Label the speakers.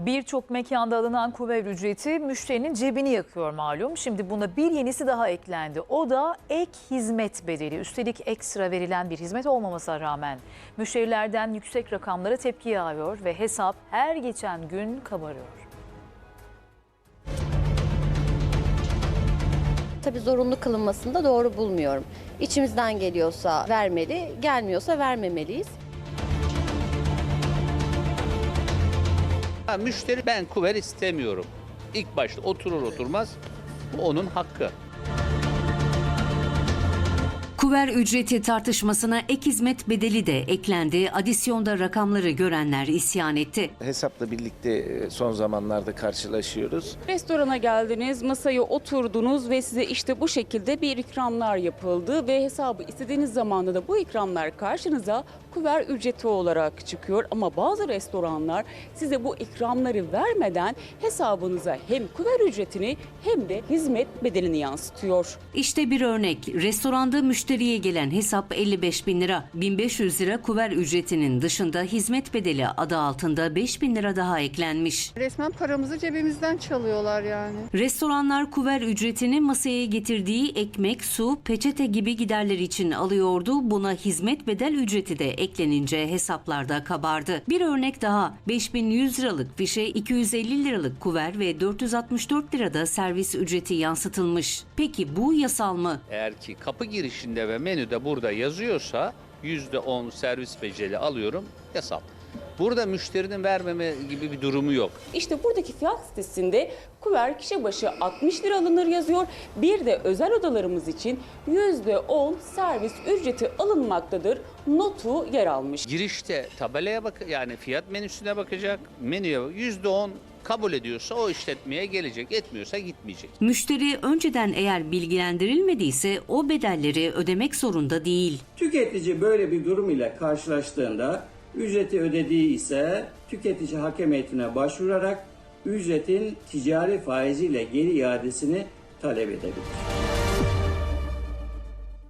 Speaker 1: Birçok mekanda alınan kuver ücreti müşterinin cebini yakıyor malum. Şimdi buna bir yenisi daha eklendi. O da ek hizmet bedeli. Üstelik ekstra verilen bir hizmet olmamasına rağmen müşterilerden yüksek rakamlara tepki yağıyor ve hesap her geçen gün kabarıyor.
Speaker 2: Tabii zorunlu kılınmasını da doğru bulmuyorum. İçimizden geliyorsa vermeli, gelmiyorsa vermemeliyiz.
Speaker 3: Müşteri ben kuver istemiyorum. İlk başta oturur oturmaz bu onun hakkı.
Speaker 4: Kuver ücreti tartışmasına ek hizmet bedeli de eklendi. Adisyonda rakamları görenler isyan etti.
Speaker 5: Hesapla birlikte son zamanlarda karşılaşıyoruz.
Speaker 6: Restorana geldiniz, masaya oturdunuz ve size işte bu şekilde bir ikramlar yapıldı ve hesabı istediğiniz zamanda da bu ikramlar karşınıza kuver ücreti olarak çıkıyor. Ama bazı restoranlar size bu ikramları vermeden hesabınıza hem kuver ücretini hem de hizmet bedelini yansıtıyor.
Speaker 4: İşte bir örnek. Restoranda müşteriye gelen hesap 55.000 lira. 1.500 lira kuver ücretinin dışında hizmet bedeli adı altında 5.000 lira daha eklenmiş.
Speaker 7: Resmen paramızı cebimizden çalıyorlar yani.
Speaker 4: Restoranlar kuver ücretini masaya getirdiği ekmek, su, peçete gibi giderler için alıyordu. Buna hizmet bedel ücreti de eklenince hesaplarda kabardı. Bir örnek daha. 5.100 liralık fişe 250 liralık kuver ve 464 lirada servis ücreti yansıtılmış. Peki bu yasal mı?
Speaker 3: Eğer ki kapı girişinde ve menüde burada yazıyorsa %10 servis bedeli alıyorum, yasal. Burada müşterinin vermeme gibi bir durumu yok.
Speaker 6: İşte buradaki fiyat sitesinde kuver kişi başı 60 lira alınır yazıyor. Bir de özel odalarımız için %10 servis ücreti alınmaktadır notu yer almış.
Speaker 3: Girişte tabelaya yani fiyat menüsüne bakacak, menüye %10 kabul ediyorsa o işletmeye gelecek, etmiyorsa gitmeyecek.
Speaker 4: Müşteri önceden eğer bilgilendirilmediyse o bedelleri ödemek zorunda değil.
Speaker 8: Tüketici böyle bir durum ile karşılaştığında ücreti ödediği ise tüketici hakem heyetine başvurarak ücretin ticari faiziyle geri iadesini talep edebilir.